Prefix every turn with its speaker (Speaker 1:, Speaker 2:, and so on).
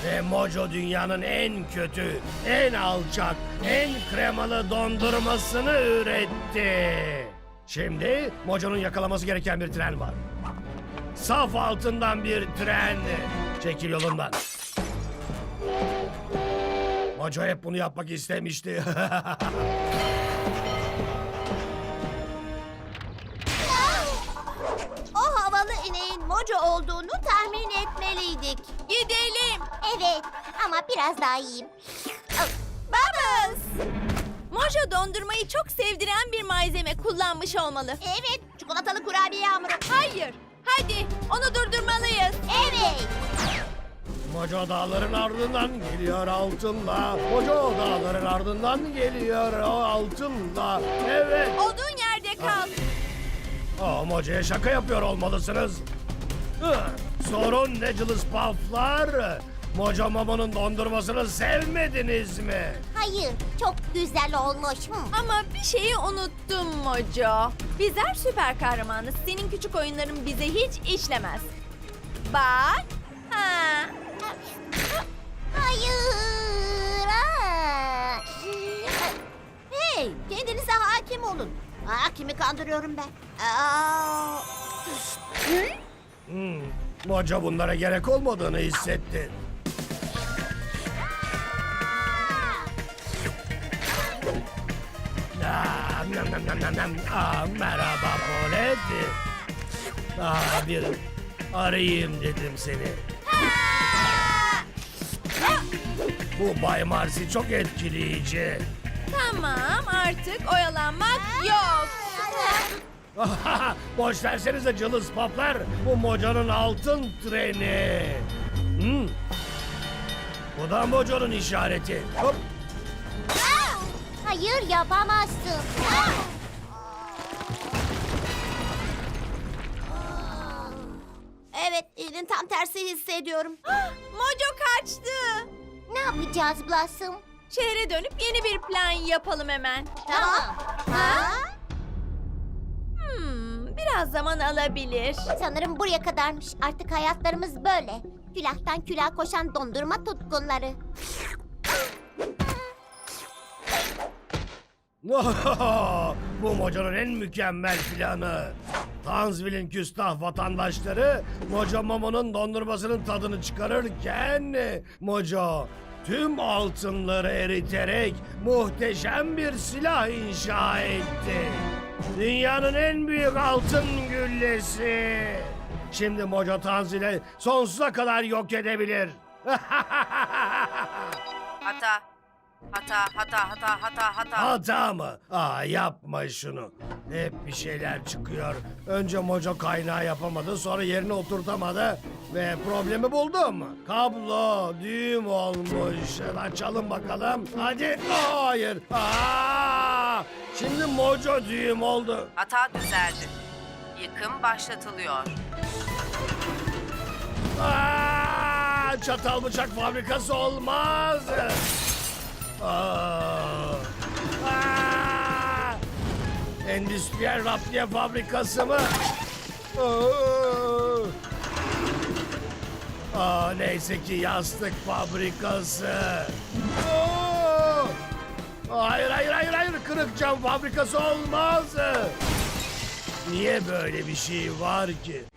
Speaker 1: Ve Mojo dünyanın en kötü, en alçak, en kremalı dondurmasını üretti. Şimdi Mojo'nun yakalaması gereken bir tren var. Saf altından bir tren. Çekil yolundan. Mojo hep bunu yapmak istemişti.
Speaker 2: O havalı ineğin Mojo olduğunu tahmin etmeliydik.
Speaker 3: Gidelim.
Speaker 2: Evet ama biraz daha iyiyim.
Speaker 3: Bubbles. Mojo dondurmayı çok sevdiren bir malzeme kullanmış olmalı.
Speaker 2: Evet, çikolatalı kurabiye hamuru.
Speaker 3: Hayır. Hadi onu durdurmalıyız.
Speaker 2: Evet.
Speaker 1: Mojo dağların ardından geliyor altınla. Mojo dağların ardından geliyor o altınla. Evet.
Speaker 3: Olduğun yerde kal.
Speaker 1: Mojo'ya şaka yapıyor olmalısınız. Sorun ne cılız paflar? Mojo Momo'nun dondurmasını sevmediniz mi?
Speaker 2: Hayır, çok güzel olmuş.
Speaker 3: Ama bir şeyi unuttum Mojo. Bizler süper kahramanız. Senin küçük oyunların bize hiç işlemez. Bak. Ha.
Speaker 2: Hayır. Aa. Hey, kendinize hakim olun. Kimi kandırıyorum ben?
Speaker 1: Mojo bunlara gerek olmadığını hissetti. Merhaba Polet. Bir arayayım dedim seni. Bu Bay Marsi çok etkileyici.
Speaker 3: Tamam artık oyalanmak yok.
Speaker 1: Boş versenize cılız paplar. Bu Mojo'nun altın treni. Bu da Mojo'nun işareti. Hop.
Speaker 2: Hayır, yapamazsın. Evet, elin tam tersi hissediyorum.
Speaker 3: Mojo kaçtı.
Speaker 2: Ne yapacağız Blossom?
Speaker 3: Şehre dönüp yeni bir plan yapalım hemen.
Speaker 2: Tamam. Ha?
Speaker 3: Biraz zaman alabilir.
Speaker 2: Sanırım buraya kadarmış. Artık hayatlarımız böyle. Külahtan külaha koşan dondurma tutkunları.
Speaker 1: Bu Mojo'nun en mükemmel planı. Tanzvil'in küstah vatandaşları Mojo Momo'nun dondurmasının tadını çıkarırken Mojo tüm altınları eriterek muhteşem bir silah inşa etti. Dünyanın en büyük altın güllesi. Şimdi Mojo Tanzil'i sonsuza kadar yok edebilir.
Speaker 4: Hata.
Speaker 1: Hata mı? Yapma şunu. Hep bir şeyler çıkıyor. Önce Mojo kaynağı yapamadı, sonra yerine oturtamadı ve problemi buldum. Kablo düğüm olmuş. Açalım bakalım. Hadi. Hayır. Şimdi Mojo düğüm oldu.
Speaker 4: Hata düzeldi. Yıkım başlatılıyor.
Speaker 1: Çatal bıçak fabrikası olmaz. Endüstriyel raptiye fabrikası mı? Neyse ki yastık fabrikası. Hayır. Kırık cam fabrikası olmaz. Niye böyle bir şey var ki?